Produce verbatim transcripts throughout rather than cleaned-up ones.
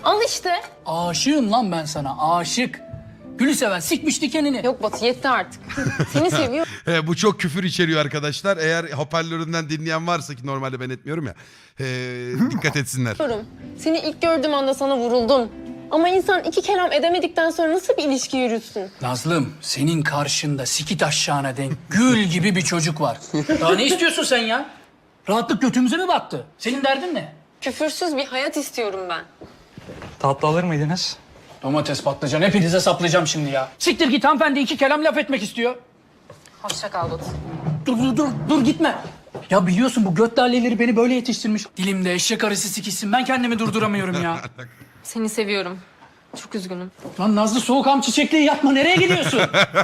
Al işte. Aşığım lan ben sana, aşık. Gülü seven sikmiş dikenini. Yok Batu yetti artık. Seni seviyorum. He, bu çok küfür içeriyor arkadaşlar. Eğer hoparlöründen dinleyen varsa ki normalde ben etmiyorum ya. he, dikkat etsinler. Seni ilk gördüğüm anda sana vuruldum. Ama insan iki kelam edemedikten sonra nasıl bir ilişki yürütsün? Nazlım, senin karşında sikit aşağına denk gül gibi bir çocuk var. Daha ne istiyorsun sen ya? Rahatlık götümüze mi battı? Senin derdin ne? Küfürsüz bir hayat istiyorum ben. Tatlı alır mıydınız? Domates, patlıcan hepinize saplayacağım şimdi ya. Siktir git, hanımefendi iki kelam laf etmek istiyor. Hoşça kal Batu. Dur dur dur dur gitme. Ya biliyorsun bu göt laleleri beni böyle yetiştirmiş. Dilimde eşek arısı sikişsin, ben kendimi durduramıyorum ya. Seni seviyorum. Çok üzgünüm. Lan Nazlı soğukam çiçekliği yapma, nereye gidiyorsun?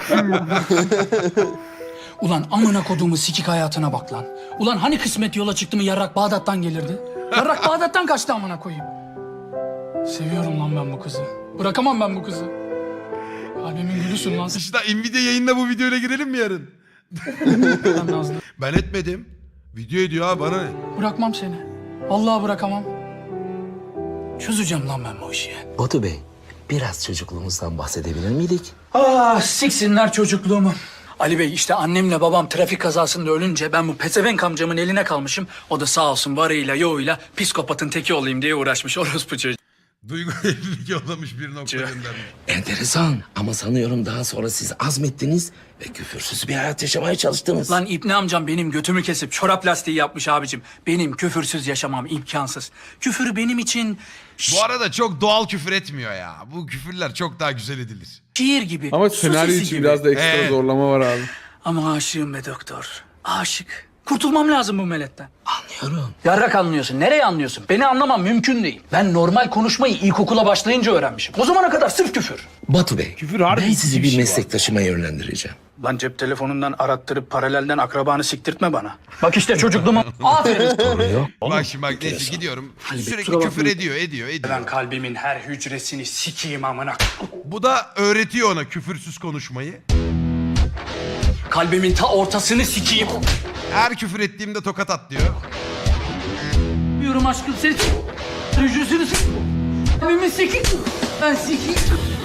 Ulan amına koduğumu sikik hayatına bak lan. Ulan hani kısmet yola çıktı mı yarrak Bağdat'tan gelirdi? Yarrak Bağdat'tan kaçtı amına koyayım. Seviyorum lan ben bu kızı. Bırakamam ben bu kızı. Kalbimin gülüsün lan İşte Nvidia yayında bu videoyla girelim mi yarın? sen Nazlı. Ben etmedim. Video ediyor ha, bana ne? Bırakmam seni. Vallahi bırakamam. Çözeceğim lan ben bu işi. Batu Bey, biraz çocukluğumuzdan bahsedebilir miydik? Ah siksinler çocukluğumu. Ali Bey işte annemle babam trafik kazasında ölünce ben bu pezevenk amcamın eline kalmışım. O da sağ olsun varıyla yoğuyla psikopatın teki olayım diye uğraşmış orospu çocuğu. Duygu evlilik yollamış bir nokta göndermiş. Enteresan ama sanıyorum daha sonra siz azmettiniz ve küfürsüz bir hayat yaşamaya çalıştınız. Lan İbni amcam benim götümü kesip çorap lastiği yapmış abicim. Benim küfürsüz yaşamam imkansız. Küfür benim için Bu arada çok doğal küfür etmiyor ya. Bu küfürler çok daha güzel edilir. şiir gibi. Ama su senaryo sesi için gibi. biraz da ekstra Evet. zorlama var abi. Ama aşığım be doktor. Aşık. Kurtulmam lazım bu meletten. Anlıyorum. Yarrak anlıyorsun. Nereye anlıyorsun? Beni anlamam mümkün değil. Ben normal konuşmayı ilkokula başlayınca öğrenmişim. O zamana kadar sırf küfür. Batu Bey, Küfür harbi ben sizi bir bir şey var. meslektaşıma yönlendireceğim. Lan cep telefonundan arattırıp paralelden akrabanı siktirtme bana. Bak işte çocukluğuma aferin. Konuyu Bak şimdi bak neyse enteresan. gidiyorum. Bey, Sürekli kusura küfür bakmayın. ediyor ediyor ediyor. Ben kalbimin her hücresini sikeyim amına. Bu da öğretiyor ona küfürsüz konuşmayı. Kalbimin ta ortasını sikeyim. Her küfür ettiğimde tokat at diyor. Diyorum aşkım seni s- hücresini s- kalbimi sikeyim. Ben sikeyim.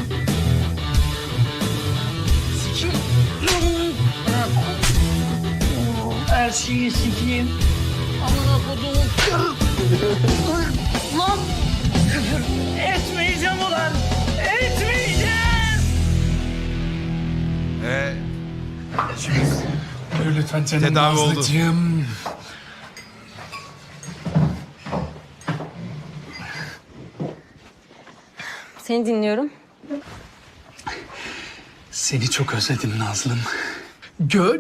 Sikeyim. Her şeyi sikeyim. Amına koduğum. Lan küfür etmeyeceğim ulan. Etmeyeceğim. Ee, Dur lütfen canım Tedavi oldu. Nazlıcığım. Seni dinliyorum. Seni çok özledim Nazlım. Gö...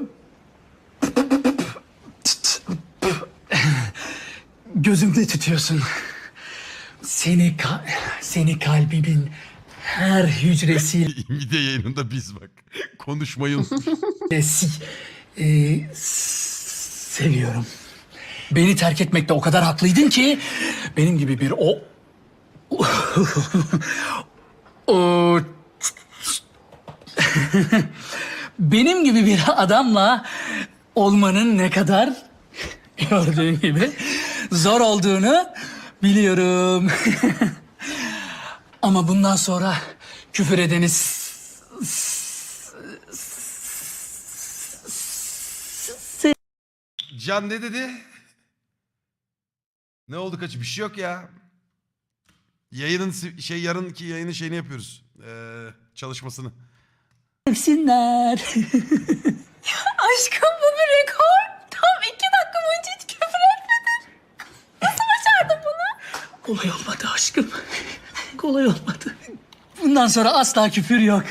Gözümde tutuyorsun. Seni ka- seni kalbimin her hücresiyle Nvidia yayınında biz bak. Konuşmayı unutmuş. si- e, s- seviyorum. Beni terk etmekte o kadar haklıydın ki benim gibi bir o o benim gibi bir adamla olmanın ne kadar gördüğün gibi zor olduğunu biliyorum. Ama bundan sonra küfür edeni s- s- Can ne dedi? Ne oldu kaçı? Bir şey yok ya. Yayının si- şey yarınki yayının şeyini yapıyoruz. Ee, çalışmasını. sevsinler. Aşkım bu bir rekor. Tam iki dakika boyunca hiç küfür etmedin. Nasıl başardın bunu? Kolay olmadı aşkım. Kolay olmadı. Bundan sonra asla küfür yok.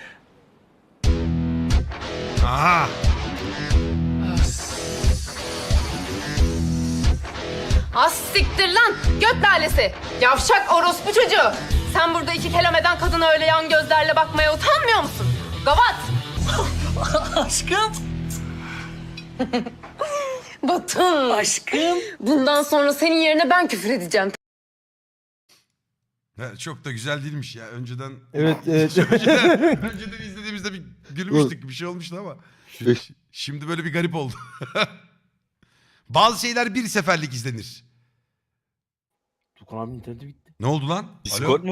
Aha. Az siktir lan göt lalesi. Yavşak orospu çocuğu. Sen burada iki kelam eden kadına öyle yan gözlerle bakmaya utanmıyor musun? Gavat. Aşkım. Batın. Aşkım. Bundan sonra senin yerine ben küfür edeceğim. Ha, çok da güzel değilmiş ya. Önceden Evet, evet. önceden, önceden izlediğimizde bir gülmüştük. Bir şey olmuştu ama. Beş- Şimdi böyle bir garip oldu. Bazı şeyler bir seferlik izlenir. Tukan abinin interneti bitti. Ne oldu lan? Alo? Discord mu